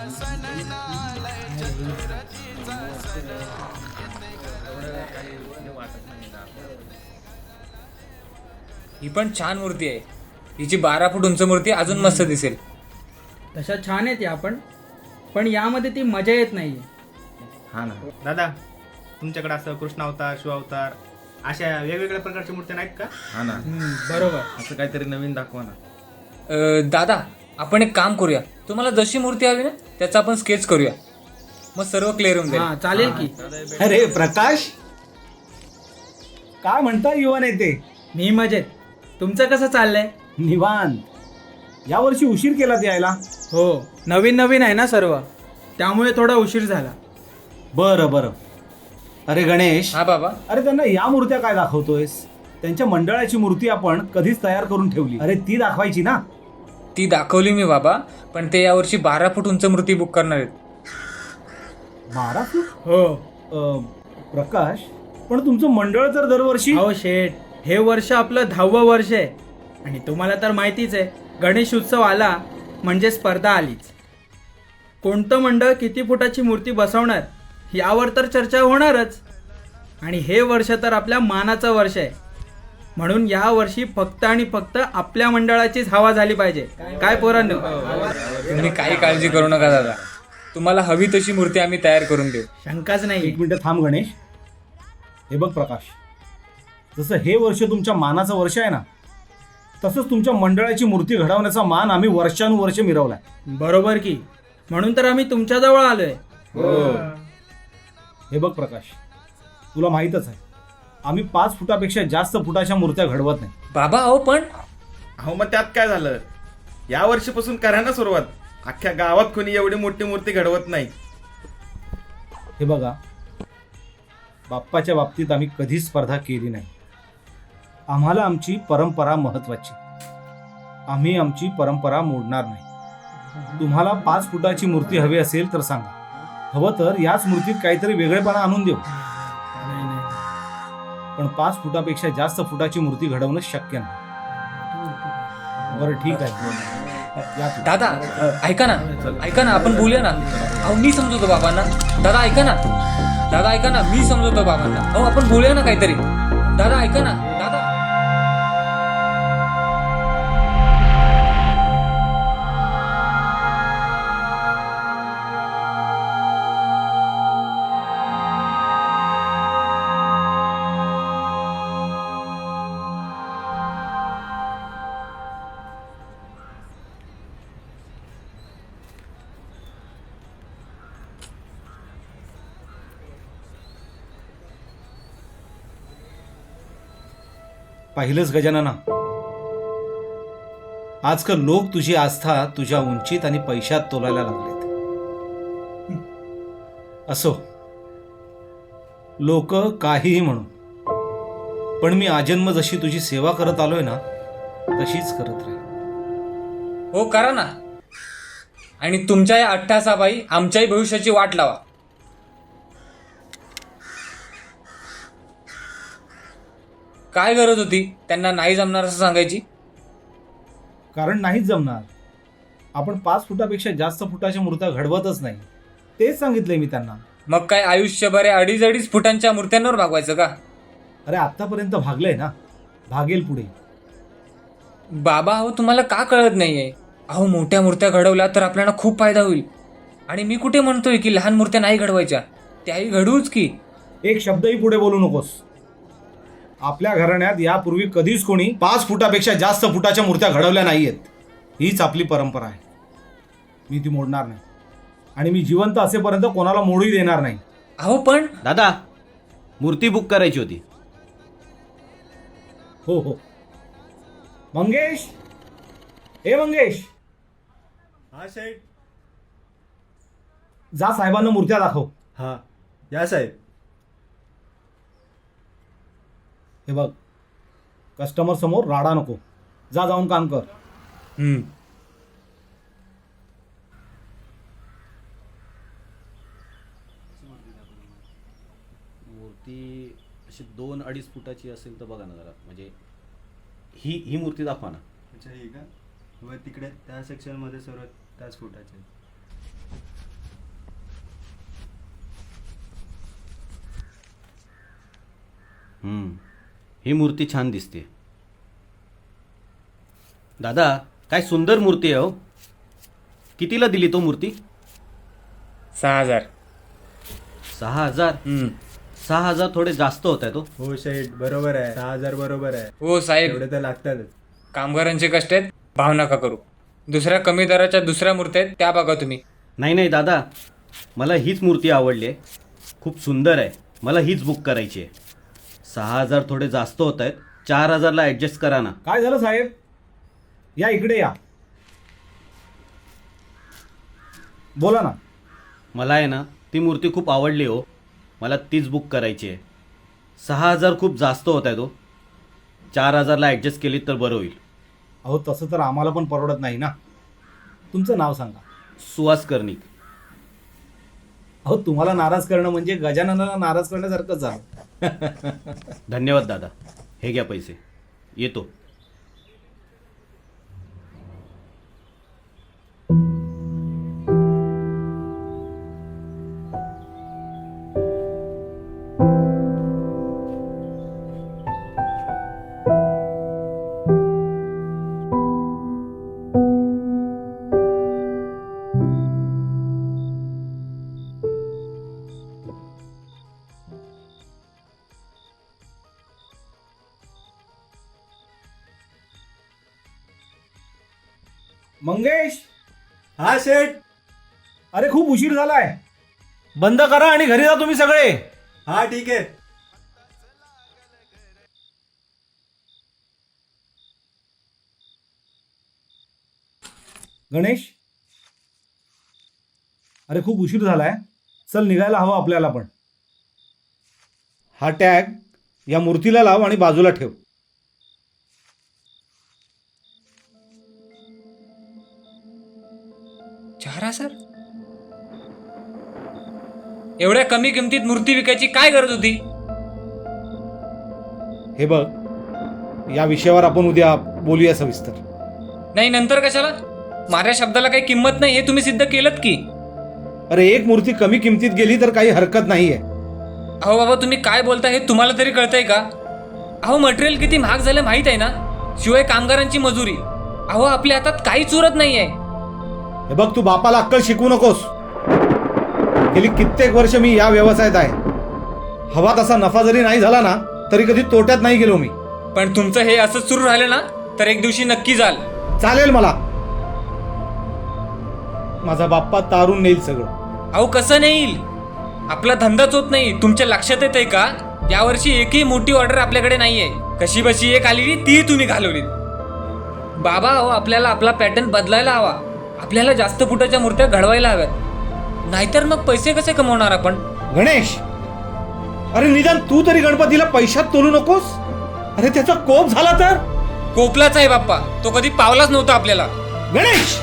ही पण छान मूर्ती आहे. हिची 12 फूट उंच मूर्ती अजून मस्त दिसेल. तशा छान आहेत या पण यामध्ये ती मजा येत नाहीये. हा ना दादा, तुमच्याकडे असं कृष्ण अवतार, शिव अवतार अशा वेगवेगळ्या प्रकारच्या मूर्त्या नाहीत का? हा ना, बरोबर. असं काहीतरी नवीन दाखवा ना. दादा, आपण एक काम करूया. तुम्हाला जशी मूर्ती हवी ना त्याचा आपण स्केच करूया, मग सर्व क्लिअर होऊन हा जाईल. चालेल की. अरे प्रकाश, काय म्हणता युवा नेते? मी मजेत. तुमचं कसं चाललंय? निवांत. यावर्षी उशीर केलात यायला. हो, नवीन नवीन आहे ना सर्व, त्यामुळे थोडा उशीर झाला. बरं बरं. अरे गणेश, हा बाबा. अरे त्यांना या मूर्त्या काय दाखवतोयस? त्यांच्या मंडळाची मूर्ती आपण कधीच तयार करून ठेवली. अरे ती दाखवायची ना. ती दाखवली मी बाबा, पण ते यावर्षी 12 फूट उंच मूर्ती बुक करणार आहेत. 12 फूट? हो. प्रकाश, पण तुमचं मंडळ तर दरवर्षी. अहो शेठ, हे वर्ष आपलं 10वं वर्ष आहे आणि तुम्हाला तर माहितीच आहे, गणेश उत्सव आला म्हणजे स्पर्धा आलीच. कोणतं मंडळ किती फुटाची मूर्ती बसवणार यावर तर चर्चा होणारच. आणि हे वर्ष तर आपल्या मानाचं वर्ष आहे, म्हणून या वर्षी फक्त आणि फक्त आपल्या मंडळाचीच हवा झाली पाहिजे. काय पोरांनो? तुम्ही काही काळजी करू नका दादा, तुम्हाला हवी तशी मूर्ती आम्ही तयार करून देऊ. शंकाच नाही. एक मिनिट थांब गणेश. हे बघ प्रकाश, जसं हे वर्ष तुमच्या मानाचं वर्ष आहे ना, तसंच तुमच्या मंडळाची मूर्ती घडवण्याचा मान आम्ही वर्षानुवर्ष मिरवलाय. बरोबर की, म्हणून तर आम्ही तुमच्याजवळ आलोय. हे बघ प्रकाश, तुला माहीतच आहे आम्ही 5 फुटापेक्षा जास्त फुटाच्या मूर्त्या घडवत नाही. बाबा अहो पण अहो मग त्यात काय झालं? या वर्षीपासून करा ना सुरुवात. अख्ख्या गावात कोणी एवढी मोठी मूर्ती घडवत नाही. हे बघा, बाप्पाच्या बाबतीत आम्ही कधीच स्पर्धा केली नाही. आम्हाला आमची परंपरा महत्वाची. आम्ही आमची परंपरा मोडणार नाही. तुम्हाला 5 फुटाची मूर्ती हवी असेल तर सांगा. हवं तर याच मूर्तीत काहीतरी वेगळेपणा आणून देऊ. पण 5 फुटापेक्षा जास्त फुटाची मूर्ती घडवणं शक्य नाही. बरं ठीक आहे, या तू. दादा ऐका ना, ऐका ना, आपण बोलूया ना. अहो मी समजवतो बाबांना. दादा ऐका ना, दादा ऐका ना, मी समजवतो बाबांना. अहो आपण बोलूया ना काहीतरी. दादा ऐका ना, दादा. पाहिलंच गजानना, आजकाल लोक तुझी आस्था तुझ्या उंचीत आणि पैशात तोलायला लागलेत. असो, लोक काहीही म्हणून, पण मी आजन्म जशी तुझी सेवा करत आलोय ना, तशीच करत राहील. हो करा ना. आणि तुमच्या या अट्टासापायी आमच्याही भविष्याची वाट लावा. काय गरज होती त्यांना नाही जमणार असं सांगायची? कारण नाहीच जमणार. आपण 5 फुटापेक्षा जास्त फुटाच्या मूर्त्या घडवतच नाही, तेच सांगितलंय मी त्यांना. मग काय आयुष्यभर 2.5 फुटांच्या मूर्त्यांवर भागवायचं का? अरे आतापर्यंत भागलंय ना, भागेल पुढे. बाबा अहो तुम्हाला का कळत नाहीये? अहो मोठ्या मूर्त्या घडवल्या तर आपल्याला खूप फायदा होईल. आणि मी कुठे म्हणतोय की लहान मूर्त्या नाही घडवायच्या, त्याही घडवूच की. एक शब्दही पुढे बोलू नकोस. आपल्या घराण्यात यापूर्वी कधीच कोणी 5 फुटापेक्षा जास्त फुटाच्या मूर्त्या घडवल्या नाहीयेत. हीच आपली परंपरा आहे. मी ती मोडणार नाही आणि मी जिवंत असेपर्यंत कोणाला मोडूही देणार नाही. अहो पण दादा, मूर्ती बुक करायची होती. हो हो. मंगेश, हे मंगेश, हा साहेब. जा साहेबांना मूर्त्या दाखव. हा या साहेब. हे बघ, कस्टमर समोर राडा नको. जा, जाऊन काम कर. मूर्ती अशी 2-2.5 फुटाची असेल तर बघा ना जरा. म्हणजे ही मूर्ती दाखवा ना. अच्छा, ही का? व तिकडे त्या सेक्शनमध्ये सर्व त्याच फुटाचे. ही मूर्ती छान दिसते. दादा, काय सुंदर मूर्ती आहे हो. कितीला दिली तो मूर्ती? 6,000. 6,000? 6,000 थोडे जास्त होत आहे तो. हो शेठ, बरोबर आहे. 6,000 बरोबर आहे. हो साहेब, एवढे तर लागतातच. कामगारांचे कष्ट आहेत, भाव नका करू. दुसऱ्या कमी दराच्या दुसऱ्या मूर्त्या आहेत त्या बघा तुम्ही. नाही दादा, मला हीच मूर्ती आवडली आहे. खूप सुंदर आहे. मला हीच बुक करायची आहे. 6,000 थोडे जास्त होत आहेत. 4,000ला ॲडजस्ट करा ना. काय झालं साहेब? या इकडे या. बोला ना. मला आहे ना ती मूर्ती खूप आवडली हो. मला तीच बुक करायची आहे. 6,000 खूप जास्त होत आहे तो. 4,000ला ॲडजस्ट केली तर बरं होईल. अहो तसं तर आम्हाला पण परवडत नाही ना. तुमचं नाव सांगा. सुहास कर्णिक. अहो तुम्हाला नाराज करणं म्हणजे गजाननाला नाराज करण्यासारखंच झालं. धन्यवाद दादा. हे घ्या पैसे. येतो. मंगेश, हा शेठ. अरे खूप उशीर झालाय. बंद करा आणि घरी जा तुम्ही सगळे. हा ठीक आहे. गणेश, अरे खूप उशीर झालाय. चल निघायला हवं आपल्याला पण. हा टॅग या मूर्तीला लाव आणि बाजूला ठेव. 4,000? एवढ्या कमी किमतीत मूर्ती विकायची काय गरज होती? हे बघ, या विषयावर आपण उद्या बोलूया सविस्तर. नाही, नंतर कशाला? माझ्या शब्दाला काही किंमत नाही हे तुम्ही सिद्ध केलं की. अरे एक मूर्ती कमी किमतीत गेली तर काही हरकत नाहीये. अहो बाबा, तुम्ही काय बोलता हे तुम्हाला तरी कळतंय का? अहो मटेरियल किती महाग झालं माहित आहे ना. शिवाय कामगारांची मजुरी. अहो आपल्या हातात काहीच उरत नाहीये. हे बघ, तू बापाला अक्कल शिकवू नकोस. गेली कित्येक वर्ष मी या व्यवसायात आहे. हवा तसा नफा जरी नाही झाला ना तरी कधी तोट्यात नाही गेलो मी. पण तुमचं हे असंच सुरू राहिलं ना तर एक दिवशी नक्की जाल. चालेल मला. माझा बाप्पा तारून नेईल सगळं. अहो कसं नाही येईल? आपला धंदाच होत नाही. तुमच्या लक्षात येतंय का? यावर्षी एकही मोठी ऑर्डर आपल्याकडे नाहीये. कशी बशी एक आलेली ती तुम्ही घालवलीत. बाबा, अहो आपल्याला आपला पॅटर्न बदलायला हवा. आपल्याला जास्त फुटाच्या मूर्त्या घडवायला हव्यात. नाहीतर मग पैसे कसे कमवणार आपण? गणेश, अरे निदान तू तरी गणपतीला पैशात तोलू नकोस. अरे त्याचा कोप झाला तर? कोपलाच आहे बाप्पा. तो कधी पावलाच नव्हता आपल्याला. गणेश,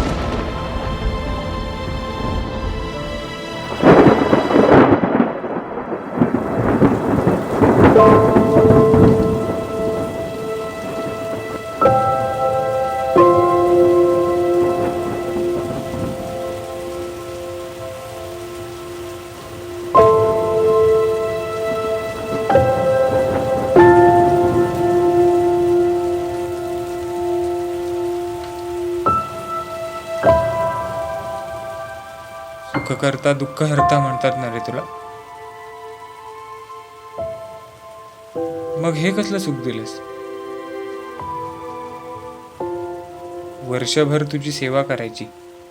सुख करता दुःख हरता म्हणतात ना रे तुला. मग हे कसलं सुख दिलंस? वर्षभर तुझी सेवा करायची.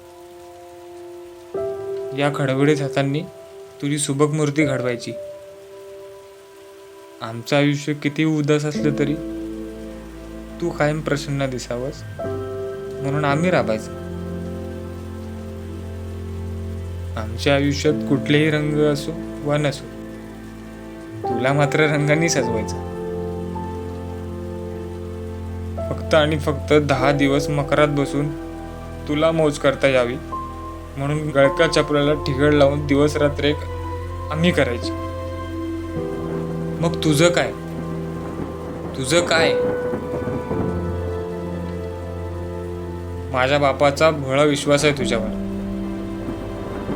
या खडबडीत हातांनी तुझी सुबक मूर्ती घडवायची. आमचं आयुष्य किती उदास असलं तरी तू कायम प्रसन्न दिसावंस म्हणून आम्ही राबायचं. आमच्या आयुष्यात कुठलेही रंग असो वा नसो, तुला मात्र रंगांनी सजवायचं. फक्त आणि फक्त 10 दिवस मकरात बसून तुला मौज करता यावी म्हणून गळका चपलाला ठिगळ लावून दिवस रात्र एक आम्ही करायची. मग तुझं काय? तुझं काय? माझ्या बापाचा भोळा विश्वास आहे तुझ्यावर.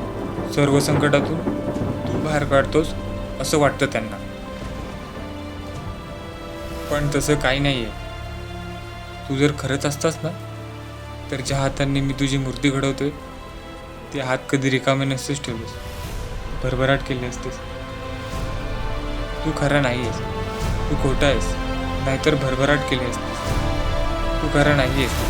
सर्व संकटातून तू बाहेर काढतोस असं वाटतं त्यांना. पण तसं काही नाही आहे. तू जर खरंच असतास ना, तर ज्या हातांनी मी तुझी मूर्ती घडवतोय ते हात कधी रिकामे नसतेच ठेवलेस, भरभराट केली असतेस. तू खरा नाही आहेस, तू खोटा आहेस, नाहीतर भरभराट केली असतेस. तू खरा नाही आहेस.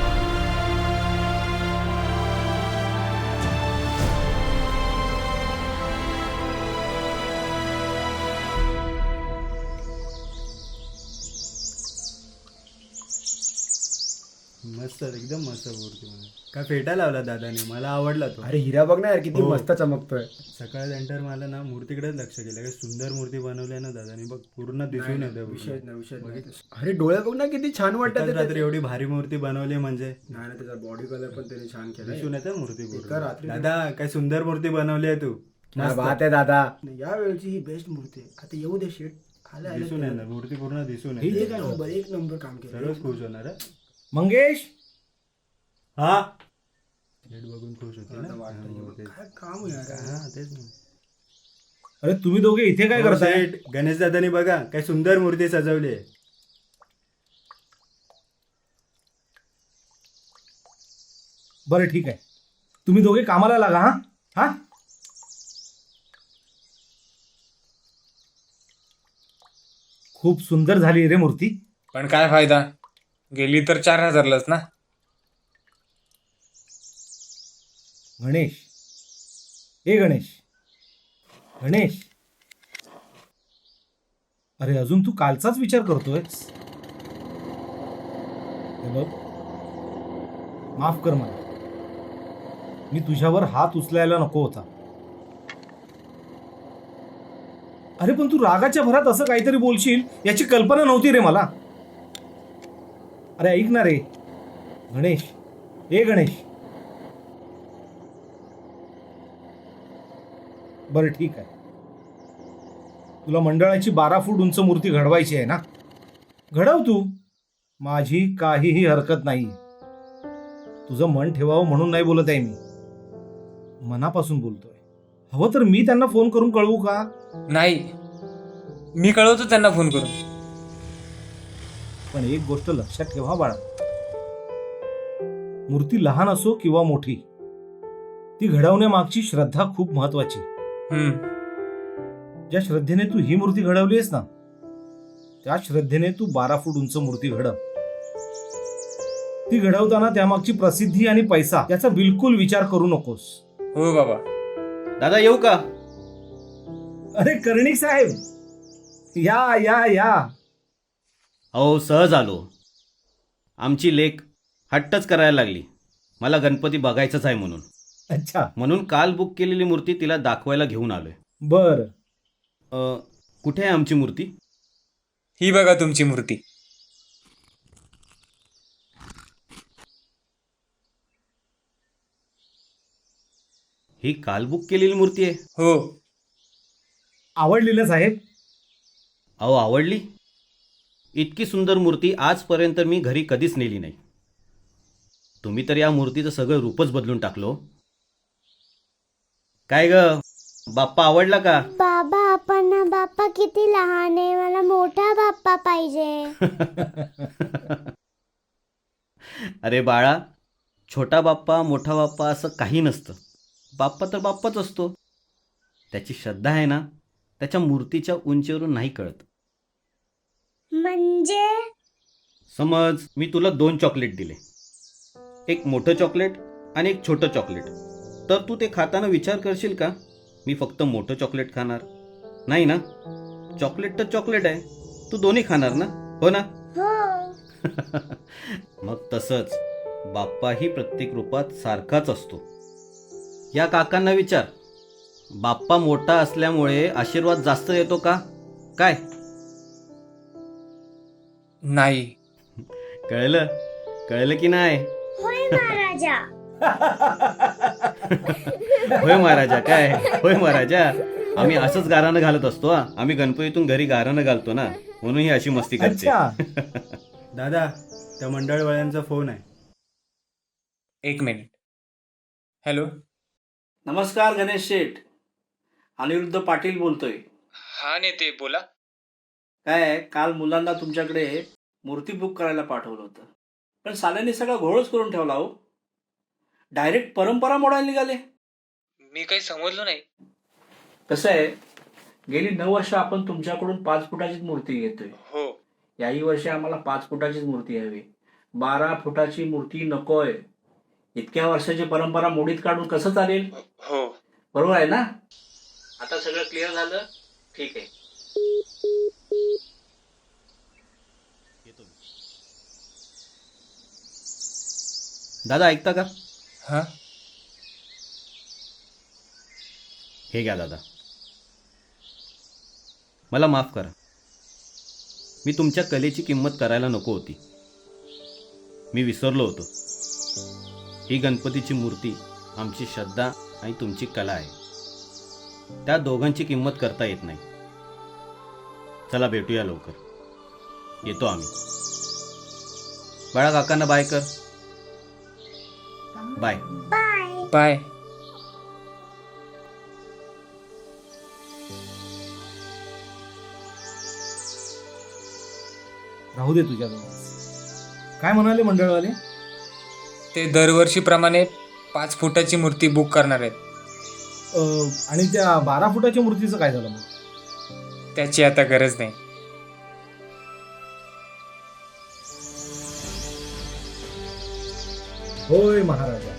मस्त, एकदम मस्त मूर्ती. काय फेटा लावला दादाने, मला आवडला तो. अरे हिरा बघ ना यार किती हो. मस्त चमकतोय. सकाळ सेंटर मला ना मूर्तीकडेच लक्ष केलं. काय सुंदर मूर्ती बनवली आहे ना दादाने, बघ पूर्ण दिसून येते. अरे डोळे बघ ना किती छान वाटतात एकाच ते. रात्री एवढी भारी मूर्ती बनवली म्हणजे नाही ना, त्याचा बॉडी कलर पण त्याने छान केला. दिसून येते मूर्ती पूर्ण. एका रात्री- दादा काय सुंदर मूर्ती बनवली आहे तू. काय बात आहे दादा. या वेळची ही बेस्ट मूर्ती आहे. आता येऊ दे शेट. आलं दिसून येणार मूर्ती पूर्ण दिसून हे येते. जे काय एक नंबर काम केलं. सर्वच खुश होणार हं? मंगेश, हा शेड बघून खुश होते ना. काय काम आहे यार. हा तेच ना. अरे तुम्ही दोघे इथे काय करताय? शेठ, गणेश दादानी बघा काय सुंदर मूर्ती सजवली आहे. बरं ठीक आहे, तुम्ही दोघे कामाला लागा. हा हा खूप सुंदर झाली रे मूर्ती. पण काय फायदा, गेली तर 4,000लाच ना. गणेश, ए गणेश, गणेश, अरे अजून तू कालचाच विचार करतोय. हे बघ, माफ कर मला, मी तुझ्यावर हात उचलायला नको होता. अरे पण तू रागाच्या भरात असं काहीतरी बोलशील याची कल्पना नव्हती रे मला. अरे ऐक ना रे गणेश, ए गणेश. बरं ठीक आहे, तुला मंडळाची 12 फूट उंच मूर्ती घडवायची आहे ना, घडव तू, माझी काहीही हरकत नाही. तुझं मन ठेवावं म्हणून नाही बोलत आहे मी, मनापासून बोलतोय. हवं तर मी त्यांना फोन करून कळवू का? नाही, मी कळवतो त्यांना फोन करून. पण एक गोष्ट लक्षात ठेवा बाळा, मूर्ती लहान असो किंवा मोठी, ती घडवण्यामागची श्रद्धा खूप महत्वाची. ज्या श्रद्धेने तू ही मूर्ती घडवली आहेस ना, त्या श्रद्धेने तू 12 फूट उंच मूर्ती घडव. ती घडवताना त्यामागची प्रसिद्धी आणि पैसा याचा बिलकुल विचार करू नकोस. हो बाबा. दादा येऊ का? अरे कर्णिक साहेब, या या या. अहो सहज आलो. आमची लेक हट्टच करायला लागली, मला गणपती बघायचाच आहे म्हणून. अच्छा, म्हणून काल बुक केलेली मूर्ती तिला दाखवायला घेऊन आलोय. बर. कुठे आहे आमची मूर्ती? ही बघा तुमची मूर्ती. ही काल बुक केलेली मूर्ती आहे. हो. आवडली ना साहेब? अहो आवडली. इतकी सुंदर मूर्ती आजपर्यंत मी घरी कधीच नेली नाही. तुम्ही तर या मूर्तीचं सगळं रूपच बदलून टाकलो. काय ग बाप्पा आवडला का? बाबा पण ना, बाप्पा किती लहान आहे, मला मोठा बाप्पा पाहिजे. अरे बाळा, छोटा बाप्पा मोठा बाप्पा असं काही नसतं. बाप्पा तर बाप्पाच असतो. त्याची श्रद्धा आहे ना, त्याच्या मूर्तीच्या उंचीवरून नाही कळत. म्हणजे समज मी तुला 2 चॉकलेट दिले, एक मोठं चॉकलेट आणि एक छोटं चॉकलेट, तर तू ते खाताना विचार करशील का मी फक्त मोठं चॉकलेट खाणार? नाही ना. चॉकलेट तर चॉकलेट आहे, तू दोन्ही खाणार ना, हो ना? हो. मग तसंच बाप्पाही प्रत्येक रूपात सारखाच असतो. या काकांना विचार, बाप्पा मोठा असल्यामुळे आशीर्वाद जास्त येतो का? काय नाही. कळलं? कळलं की नाही? होय महाराजा. होय महाराजा. काय होय महाराजा? आम्ही असंच गारानं घालत असतो. आम्ही गणपतीतून घरी गारानं घालतो ना, म्हणून ही अशी मस्ती करते. अच्छा. दादा त्या मंडळवाल्यांचा फोन आहे. 1 मिनिट. हॅलो. नमस्कार गणेश शेठ, अनिरुद्ध पाटील बोलतोय. हा नेते बोला. काय आहे, काल मुलांना तुमच्याकडे मूर्ती बुक करायला पाठवलं होतं, पण साल्यांनी सगळा घोळच करून ठेवला हो. डायरेक्ट परंपरा मोडायला निघाले. मी काही समजलो नाही. कसं आहे, गेली 9 वर्ष आपण तुमच्याकडून 5 फुटाचीच मूर्ती घेतोय. हो. याही वर्षी आम्हाला 5 फुटाचीच मूर्ती हवी. 12 फुटाची मूर्ती नकोय. इतक्या वर्षाची परंपरा मोडीत काढून कसं चालेल? हो. बरोबर आहे ना? आता सगळं क्लिअर झालं? ठीक आहे. दादा ऐकता का? हा. हे घ्या दादा. मला माफ करा. मी तुमच्या कलेची किंमत करायला नको होती. मी विसरलो होतो. ही गणपतीची मूर्ती आमची श्रद्धा आणि तुमची कला आहे. त्या दोघांची किंमत करता येत नाही. चला भेटूया लवकर. येतो आम्ही. बाळा काकांना बाय कर. बाय. बाय. राहू दे तुझ्याजवळ. काय म्हणाले मंडळवाले? ते दरवर्षीप्रमाणे 5 फुटाची मूर्ती बुक करणार आहेत. आणि त्या 12 फुटाच्या मूर्तीचं काय झालं मग? त्याची आता गरज नाही. होय महाराजा.